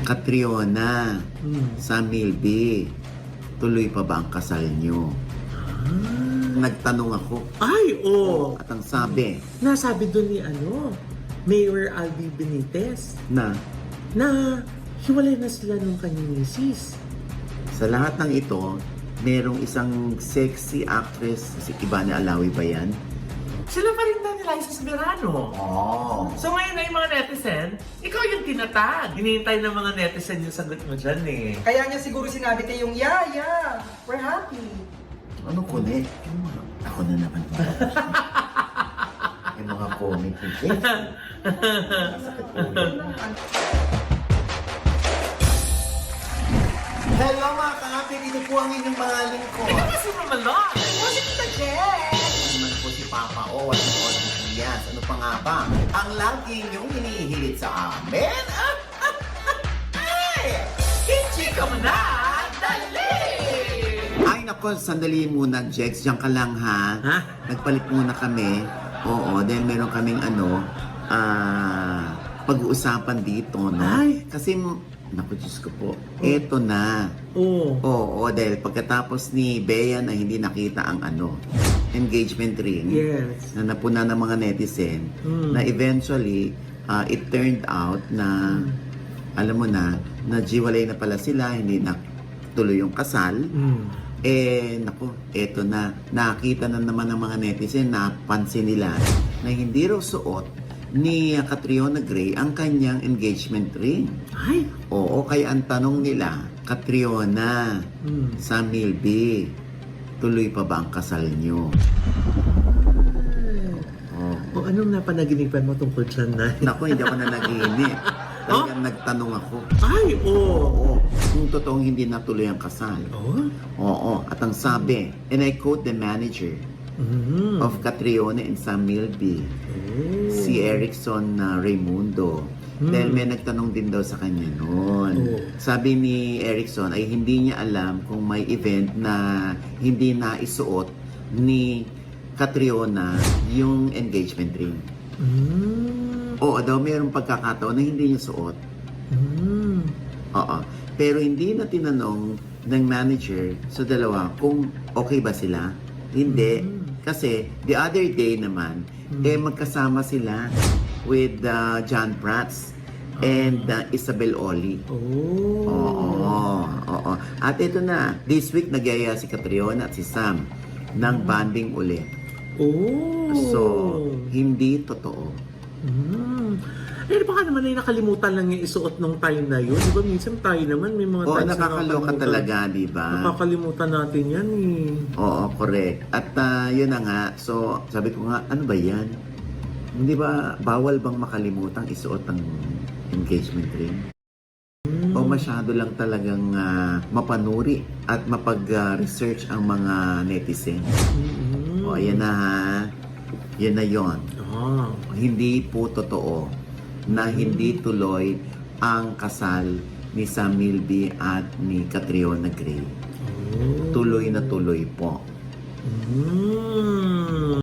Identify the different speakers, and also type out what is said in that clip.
Speaker 1: Catriona, sa Milby, tuloy pa ba ang kasal nyo? Nagtanong ako.
Speaker 2: Ay, oo.
Speaker 1: At ang sabi
Speaker 2: Nasabi doon ni Mayor Albi Benitez
Speaker 1: na
Speaker 2: na hiwalay na sila nung kanyang misis.
Speaker 1: sa lahat ng ito, merong isang sexy actress, si Ibane Alawi ba yan?
Speaker 2: Sila pa rin na nila sa Soberano.
Speaker 1: Oo.
Speaker 2: So ngayon na yung mga netizen, ikaw yung tinatag. Hinihintay ng mga netizen yung sagot mo dyan eh.
Speaker 3: Kaya niya siguro sinabi kayong, yeah, we're happy.
Speaker 1: Ano kulit? Ako na naman. Yung mga comment ni Jess. Masakit ulo. Hello mga ka-happy! Ito po ang inyong mga lingkod.
Speaker 2: Kasi naman lang.
Speaker 3: Kasi kita, Jen!
Speaker 1: Naman po si Papa O at si Audrey Diaz. Ano pa nga ba? Ang lagi niyong hinihilit sa amin? Ay!
Speaker 2: Hindi ka mo na! Dali!
Speaker 1: Ay nako, sandali muna, Jex. Diyan ka lang ha.
Speaker 2: Ha?
Speaker 1: Nagpalit muna kami. Oo, dahil meron kaming pag-uusapan dito, no?
Speaker 2: Ay!
Speaker 1: Kasi, naku, Diyos ko po, eto na.
Speaker 2: Oo.
Speaker 1: Oo, dahil pagkatapos ni Bea na hindi nakita ang engagement ring,
Speaker 2: Yes.
Speaker 1: na napuna ng mga netizen, na eventually, it turned out na, alam mo na jiwalay na pala sila, hindi na tuloy yung kasal. Naku, eto na, nakita na naman ng mga netizen, napansin nila na hindi raw suot ni Catriona Gray ang kanyang engagement ring.
Speaker 2: Ay!
Speaker 1: Oo, kaya ang tanong nila, Catriona, sa Milby, tuloy pa ba ang kasal nyo? Oh.
Speaker 2: O anong napanaginipan mo tungkol dyan na?
Speaker 1: Naku, hindi ako na nagiinip. Talagang nagtanong ako.
Speaker 2: Ay! Oo!
Speaker 1: Oo, kung totoong hindi natuloy ang kasal.
Speaker 2: Oh?
Speaker 1: Oo, at ang sabi, and I quote the manager of Catriona and Sam Milby, si Erickson Raimundo. Dahil may nagtanong din daw sa kanya noon. Sabi ni Erickson ay hindi niya alam kung may event na hindi na isuot ni Catriona yung engagement ring. Oo daw, mayroong pagkakataon na hindi niya suot. Oo. Pero hindi na tinanong ng manager sa dalawa kung okay ba sila. Hindi. Kasi the other day naman, magkasama sila with John Prats and Isabel Oli. Oo. At ito na, this week nagyaya si Catriona at si Sam ng banding ulit. So, hindi totoo.
Speaker 2: Eh, baka naman ay nakalimutan lang yung isuot nung time na yun. Di ba minsan tayo naman may mga
Speaker 1: Oo,
Speaker 2: times na
Speaker 1: nakakaloka talaga, di ba?
Speaker 2: Nakakalimutan natin yan eh.
Speaker 1: Oo, correct. At yun na nga, so sabi ko nga, ano ba yan? Hindi ba, bawal bang makalimutan isuot ang engagement ring? O masyado lang talagang mapanuri at mapag-research ang mga netizen? O, ayan na ha. Yan na yon. Hindi po totoo na hindi tuloy ang kasal ni Sam Milby at ni Catriona Gray. Tuloy na tuloy po.